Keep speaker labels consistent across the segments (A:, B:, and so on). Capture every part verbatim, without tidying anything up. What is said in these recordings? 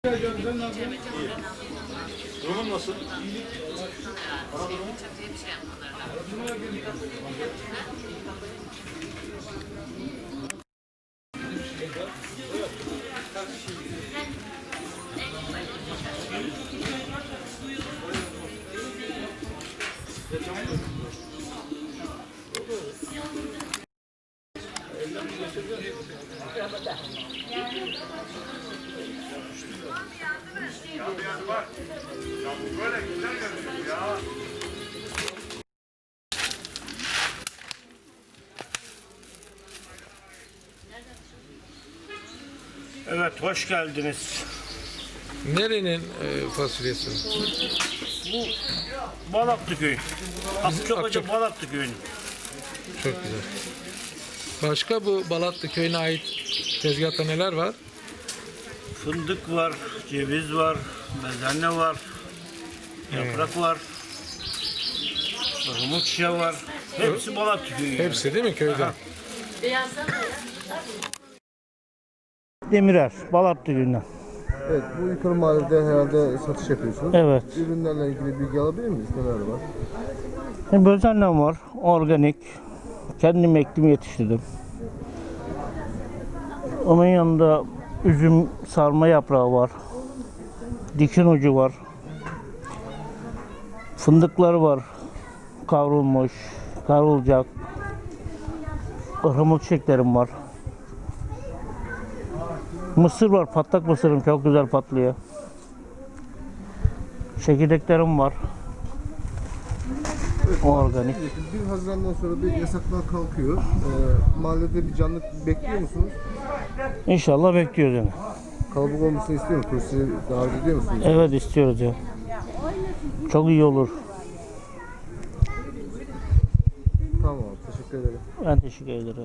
A: Durumun nasıl? Böyle güzel görünüyor ya.
B: Evet, hoş geldiniz.
C: Nerenin e, fasulyesi?
B: Bu Balatlı köyü. Akçakoca
C: Akçak-
B: Balatlı köyü.
C: Çok güzel. Başka bu Balatlı köyüne ait tezgahta neler var?
B: Fındık var, ceviz var, bezelye var, yaprak var, armut şişe var. Hepsi Balatlı köyü.
C: Hepsi değil mi köyden?
B: Demirer, Balatlı köyünden.
D: Evet, bu yukarı mahallede herhalde satış yapıyorsunuz.
B: Evet.
D: Ürünlerle ilgili bilgi alabilir miyiz? Neler var?
B: Bezelye var, organik. Kendim ektim, yetiştirdim. Onun yanında üzüm sarma yaprağı var. Dikin ucu var. Fındıkları var. Kavrulmuş, kavrulacak. Ihlamur çiçeklerim var. Mısır var, patlak mısırım çok güzel patlıyor. Çekirdeklerim var. Organik.
D: bir Haziran'dan sonra bir yasaklar kalkıyor. Ee, mahallede bir canlı bekliyor musunuz?
B: İnşallah bekliyoruz yani.
D: Kalabalık olmasını istiyor musunuz? Turistleri davet ediyor musunuz?
B: Evet, istiyoruz ya. Çok iyi olur.
D: Tamam, teşekkür ederim.
B: Ben teşekkür ederim.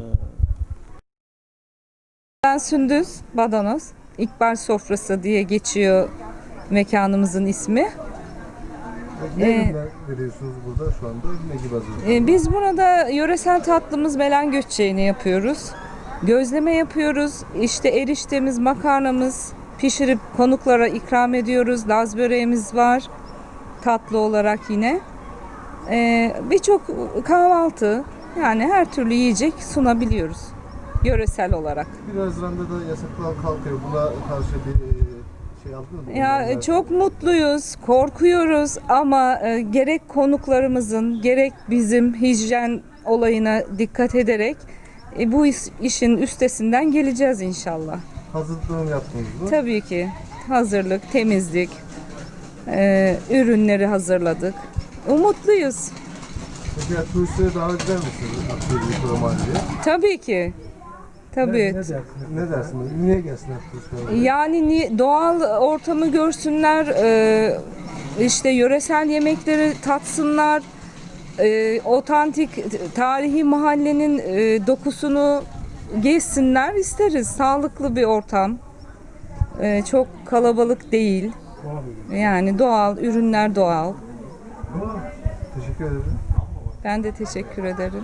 E: Ben Sündüz Badanoz. İkbal Sofrası diye geçiyor mekanımızın ismi.
D: Ne
E: Ee,
D: ürünler veriyorsunuz burada şu anda? Ne gibi hazırlıyorsunuz?
E: Ee, Biz burada yöresel tatlımız melen göççeğini yapıyoruz. Gözleme yapıyoruz. İşte eriştemiz, makarnamız pişirip konuklara ikram ediyoruz. Laz böreğimiz var tatlı olarak yine. Ee, Birçok kahvaltı, yani her türlü yiyecek sunabiliyoruz yöresel olarak.
D: bir Haziran'da da yasaklar kalkıyor. Buna karşı bir e, şey aldınız mı?
E: Ya
D: Önlemler-
E: çok mutluyuz, korkuyoruz ama e, gerek konuklarımızın gerek bizim hijyen olayına dikkat ederek e, bu iş- işin üstesinden geleceğiz inşallah.
D: Hazırlığını yaptınız mı?
E: Tabii ki hazırlık, temizlik, e, ürünleri hazırladık. Umutluyuz.
D: Peki ya, turistleri davet eder misiniz? Akşehir yukarı mahalleye.
E: Tabii ki. Tabii.
D: Ne, ne dersiniz? Ne dersiniz? Niye gelsinler turistler?
E: Yani ni- doğal ortamı görsünler, e, işte yöresel yemekleri tatsınlar, e, otantik tarihi mahallenin e, dokusunu gezsinler isteriz. Sağlıklı bir ortam, e, çok kalabalık değil. Yani doğal, ürünler doğal.
D: Teşekkür ederim.
E: Ben de teşekkür ederim.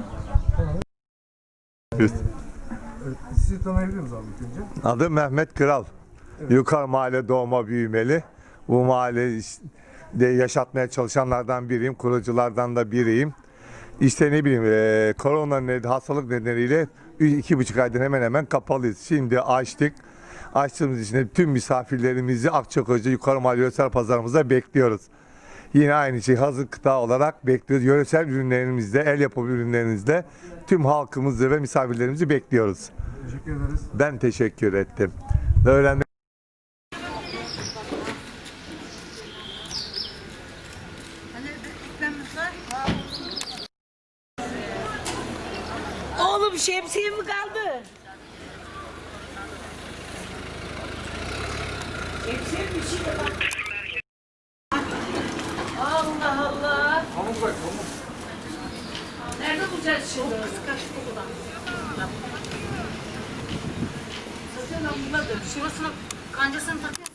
D: Evet, sizi tanıyabilir miyiz abi ilk önce?
F: Adım Mehmet Kral. Yukarı mahalle doğma büyümeli. Bu mahallede yaşatmaya çalışanlardan biriyim. Kuruculardan da biriyim. İşte ne bileyim e, korona nedeniyle, hastalık nedeniyle iki buçuk aydan hemen hemen kapalıyız. Şimdi açtık. Açtığımız için de tüm misafirlerimizi Akçakoca Yukarı Mahalle Yöresel Pazarımıza bekliyoruz. Yine aynı şey hazır gıda olarak bekliyoruz. Yöresel ürünlerimizde, el yapımı ürünlerimizde tüm halkımızı ve misafirlerimizi bekliyoruz.
D: Teşekkür ederiz.
F: Ben teşekkür ettim. Öğrendim.
G: Oğlum şemsiye mi kaldı? Şemsiye mi bir şey de bak. Allah Allah. Pamuk bak pamuk. Nerede bulacağız şimdi? Kıskaç kokudan. Zaten ben bunlar da şurasına kancasını takıyor.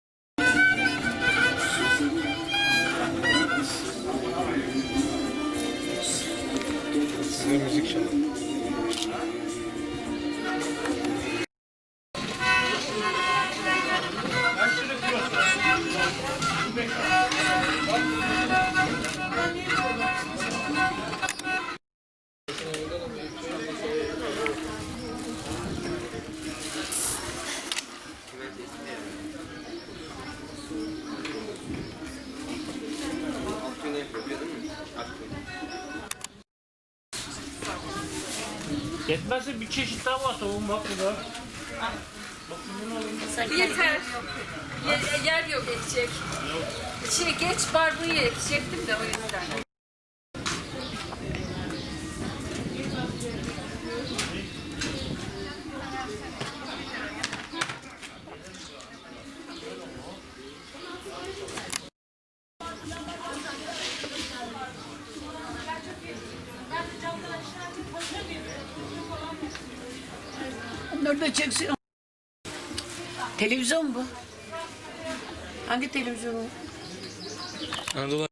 C: Size müzik çalın.
B: Ben şunu diyorum. Yetmezse bir çeşit daha var tavuğum bak burada.
G: Yeter. Yer, yer yok ekecek. Şey geç barbuyu ekecektim de o yüzden.
H: Nerede çeksin? Televizyon bu. Hangi televizyon o?
C: Anadolu